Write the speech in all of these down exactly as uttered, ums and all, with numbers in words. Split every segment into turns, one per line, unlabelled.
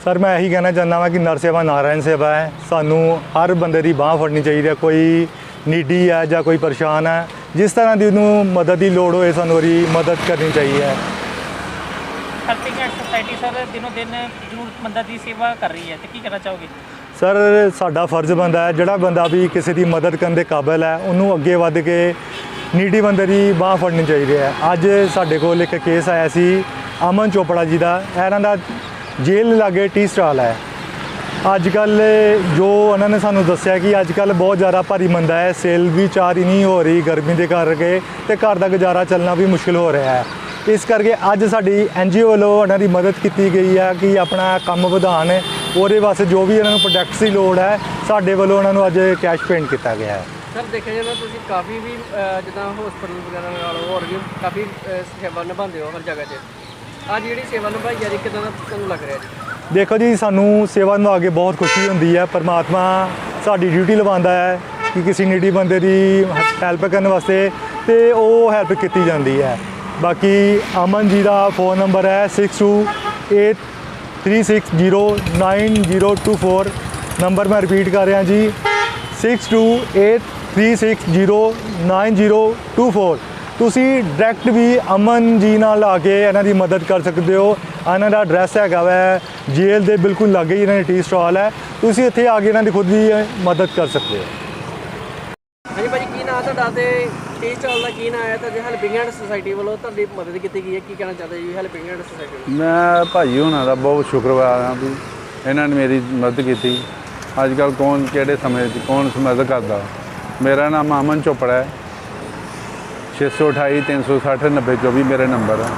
Sir मैं यही कहना चाहता वा कि नर सेवा नारायण सेवा है। सानू हर बंदे की बाँह फड़नी चाहिए। कोई नीडी है या कोई परेशान है, जिस तरह की उन्होंने मदद की लोड़ होए सानू उसकी मदद करनी चाहिए।
हेल्पिंग हैंड सोसाइटी सर दिनों दिन जरूरतमंदा की सेवा कर रही है, तो की कहना चाहोगे?
सर साडा फर्ज बनता है, जोड़ा बंदा भी किसी की मदद करने के काबिल है उन्होंने अगे वध के नीडी बंदे की बाँह फड़नी चाहिए है। अज साडे कोल एक केस आया सी अमन चोपड़ा जी का, इन्हां दा जेल लागे टी स्टाल है। अजकल जो उन्होंने सानू दसिया कि अजकल बहुत ज़्यादा भारी मंदा है, सेल भी चार नहीं हो रही गर्मी के करके, तो घर का गुजारा चलना भी मुश्किल हो रहा है। इस करके अज साडी एन जी ओ वालों उन्हों की मदद की गई है कि अपना काम वधान, वो वास्ते जो भी उन्होंने प्रोडक्ट्स की लोड़ है साडे वालों उन्होंने अज कैश पेंट किया गया है।
सर देखा जाए तो काफ़ी भी जिदा हॉस्पिटल वगैरह होर भी काफ़ी सेवा निभाते हो हर जगह से, अज जी सेवा निभाई जा रही कितना तुहानू लग रहा है?
देखो जी, सानू सेवा निभा के बहुत खुशी होती है। परमात्मा साडी ड्यूटी लवांदा है कि किसी नीडी बंदे की हैल्प करने वास्ते, तो वो हैल्प की जाती है। बाकी अमन जी का फ़ोन नंबर है six two eight three six zero nine zero two four. Number मैं रिपीट कर रहा जी, six two eight three six zero nine zero two four. तुसी डायरैक्ट भी अमन जी नाल आके इन्हां दी मदद कर सकते हो। इन्हां दा एड्रैस हैगा वै जेल दे बिल्कुल लागे ही इन्हां दी टी स्टॉल है, तुसी इत्थे आके इन्हां दी खुद भी मदद कर सकते हो।
हाँ जी भाजी, की नाम तुहाडा ते टी स्टॉल का की नाम है, तो हेल्पिंग हैंड सोसाइटी वालों तुहाडी मदद की गई है, की कहना चाहते जी हेल्पिंग हैंड सोसाइटी?
मैं भाई होना का बहुत शुक्रगुजार हाँ भी इन्होंने मेरी मदद की। अजकल कौन किहड़े समय कौन मदद करता। मेरा नाम अमन चोपड़ा है, छे सौ अठाई तीन सौ सठ नब्बे चौबी मेरे नंबर है।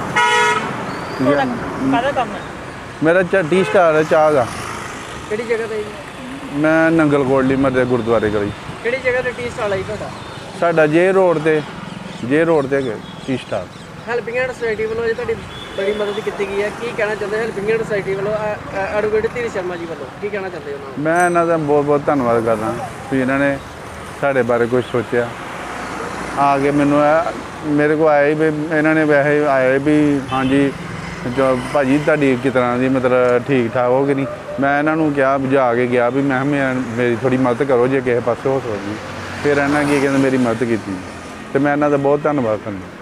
मेरा टी स्टाल है चाह का।
किहड़ी जगह ते?
मैं नंगल कोटली मरदे गुरुद्वारे गली।
किहड़ी जगह ते टी स्टाल है तुहाडा?
साडा जे रोड ते जे रोड ते tea stall.
Helping hand society वालों जी तुहाडी बड़ी मदद की गई है, की कहना चाहते हेल्पिंग हैंड सोसाइटी वालों एडवोकेट धीरज शर्मा जी वालों की कहना चाहते हो?
मैं इन्हों का बहुत बहुत धन्यवाद करदा भी इन्होंने साढ़े बारे कुछ सोचा आके मैनू मेरे को आए भी इन्होंने वैसे आए भी हाँ जी जो भाजी तुहाडी किस तरह की मतलब ठीक ठाक हो कि नहीं। मैं इन्हों क्या बुझा के गया भी मैं मेरी थोड़ी मदद करो जे किसी पासे हो सकती। फिर इन्होंने की कहते मेरी मदद की, तो मैं इन्हों का बहुत धन्यवाद करना।